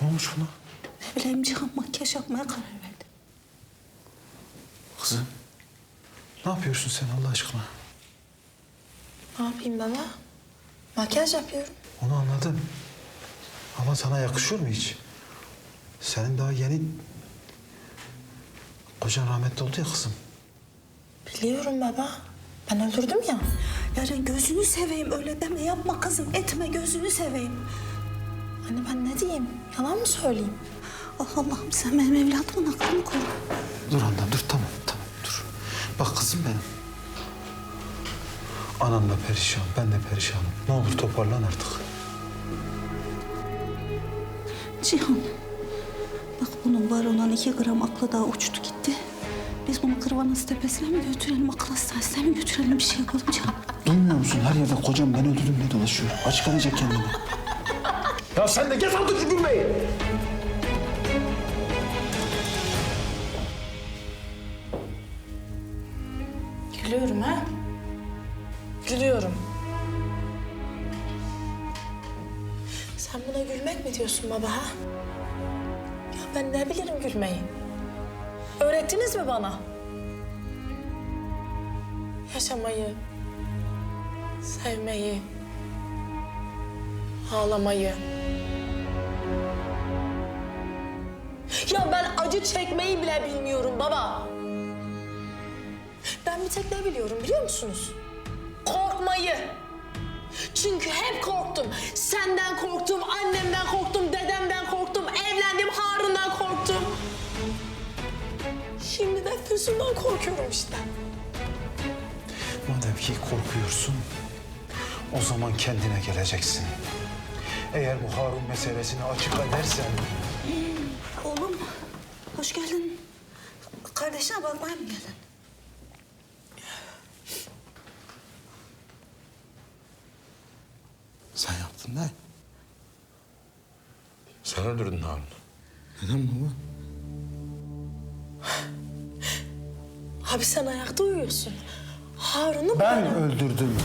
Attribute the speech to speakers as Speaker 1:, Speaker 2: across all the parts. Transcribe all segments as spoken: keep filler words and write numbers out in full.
Speaker 1: Ne olmuş buna?
Speaker 2: Ne bileyim Cihan makyaj yapmaya karar verdi.
Speaker 1: Kızım, ne yapıyorsun sen Allah aşkına?
Speaker 2: Ne yapayım baba? Makyaj yapıyorum.
Speaker 1: Onu anladım. Ama sana yakışıyor mu hiç? Senin daha yeni... Kocan rahmetli oldu ya kızım.
Speaker 2: Biliyorum baba. Ben öldürdüm ya. Yarın gözünü seveyim öyle deme yapma kızım etme gözünü seveyim. Anne ben ne diyeyim? Yalan mı söyleyeyim? Ah Allah'ım sen benim evladımın aklını koru.
Speaker 1: Dur annem dur tamam tamam dur. Bak kızım benim. Anan da perişan, ben de perişanım. Ne olur toparlan artık.
Speaker 2: Cihan. Bak bunun var olan iki gram aklı daha uçtu gitti. Biz bunu Kırvanız Tepesi'ne mi götürelim, akıl hastanesine mi götürelim bir şey yapalım Cihan.
Speaker 1: Duymuyor musun? Her yerde kocam ben öldürdüm diye dolaşıyor. Açık arayacak kendini. Ya sen de geç artık şu gülmeyi.
Speaker 2: Gülüyorum ha? Gülüyorum. Sen buna gülmek mi diyorsun baba ha? Ya ben ne bilirim gülmeyi? Öğrettiniz mi bana? Yaşamayı, sevmeyi, ağlamayı. Ya ben acı çekmeyi bile bilmiyorum baba. Ben bir tek ne biliyorum biliyor musunuz? Korkmayı. Çünkü hep korktum. Senden korktum, annemden korktum, dedemden korktum, evlendim Harun'dan korktum. Şimdi de Füsun'dan korkuyorum işte.
Speaker 1: Madem ki korkuyorsun, o zaman kendine geleceksin. Eğer bu Harun meselesini açık edersen...
Speaker 2: Oğlum, hoş geldin. Kardeşine bakmaya mı geldin?
Speaker 1: Sen yaptın ne?
Speaker 3: Sen öldürdün Harun.
Speaker 1: Neden baba?
Speaker 2: Abi sen ayakta uyuyorsun. Harun'u
Speaker 1: Ben
Speaker 2: bana...
Speaker 1: öldürdüm.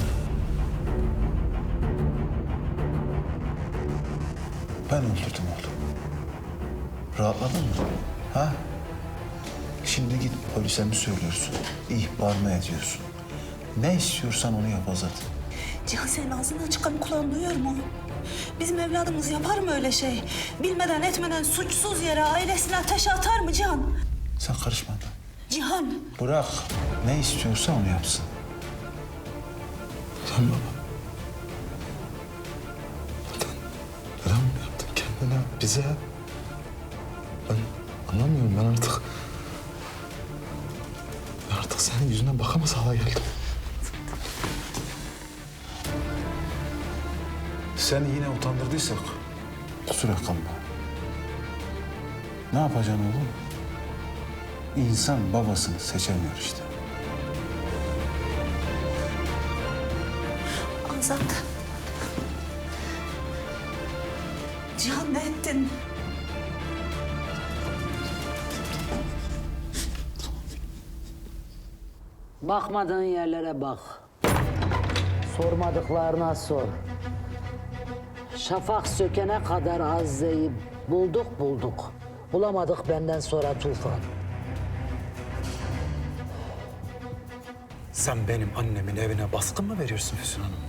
Speaker 1: Ben öldürdüm oğlum. Rahatladın mı? Ha? Şimdi git polise mi söylüyorsun? İhbar mı ediyorsun? Ne istiyorsan onu yap Azat.
Speaker 2: Cihan senin ağzından çıkan kulağın duyuyor mu oğlum? Bizim evladımız yapar mı öyle şey? Bilmeden etmeden suçsuz yere ailesine ateşe atar mı Cihan?
Speaker 1: Sen karışma da.
Speaker 2: Cihan.
Speaker 1: Bırak. Ne istiyorsa onu yapsın. Sen baba. Neden? Neden bunu yaptın kendine, bize? Ben anlamıyorum. Ben artık... Ben artık senin yüzüne bakamaz hale geldim. Seni yine utandırdıysak kusura kalma. Ne yapacaksın oğlum? İnsan babasını seçemiyor işte.
Speaker 2: Azat. Cihan ne ettin?
Speaker 4: Bakmadığın yerlere bak. Sormadıklarına sor. Şafak sökene kadar Azze'yi bulduk bulduk. Bulamadık benden sonra Tufan.
Speaker 1: Sen benim annemin evine baskın mı veriyorsun Füsun Hanım?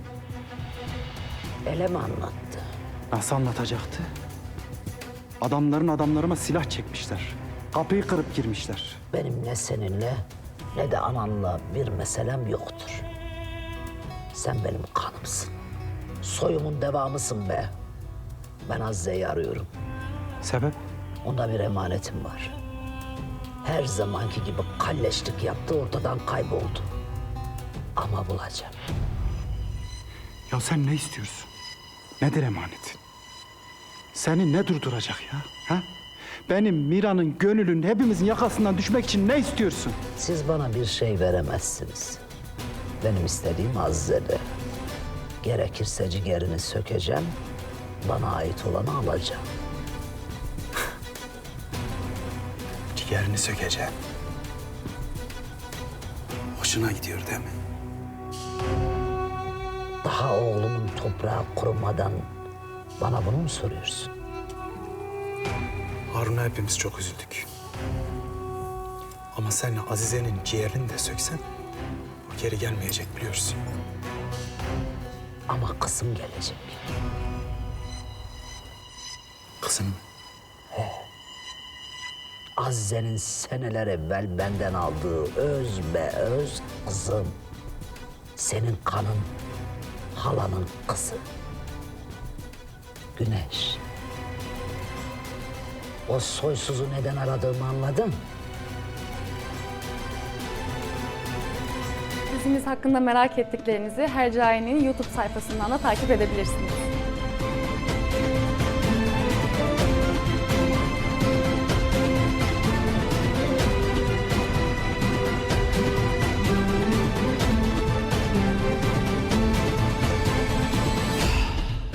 Speaker 4: Ele mi anlattı?
Speaker 5: Nasıl anlatacaktı? Adamların adamlarıma silah çekmişler. Kapıyı kırıp girmişler.
Speaker 4: Benim ne seninle ne de ananla bir meselem yoktur. Sen benim kanımsın. Soyumun devamısın be. Ben Azze'yi arıyorum.
Speaker 5: Sebep?
Speaker 4: Onda bir emanetim var. Her zamanki gibi kalleşlik yaptı, ortadan kayboldu. Ama bulacağım.
Speaker 5: Ya sen ne istiyorsun? Nedir emanetin? Seni ne durduracak ya? Ha? Benim Mira'nın, Gönül'ün, hepimizin yakasından düşmek için ne istiyorsun?
Speaker 4: Siz bana bir şey veremezsiniz. Benim istediğim Azze'de. Gerekirse ciğerini sökeceğim, bana ait olanı alacağım.
Speaker 1: Ciğerini sökeceğim. Hoşuna gidiyor değil mi?
Speaker 4: Daha oğlumun toprağı kurumadan bana bunu mu soruyorsun?
Speaker 5: Harun'a hepimiz çok üzüldük. Ama sen Azize'nin ciğerini de söksen o geri gelmeyecek biliyorsun.
Speaker 4: Ama kızım gelecek.
Speaker 5: Kızım
Speaker 4: Azize'nin seneler evvel benden aldığı öz be öz kızım. Senin kanın, halanın kızı. Güneş. O soysuzu neden aradığımı anladın?
Speaker 3: Dizimiz hakkında merak ettiklerinizi Hercai'nin YouTube sayfasından da takip edebilirsiniz.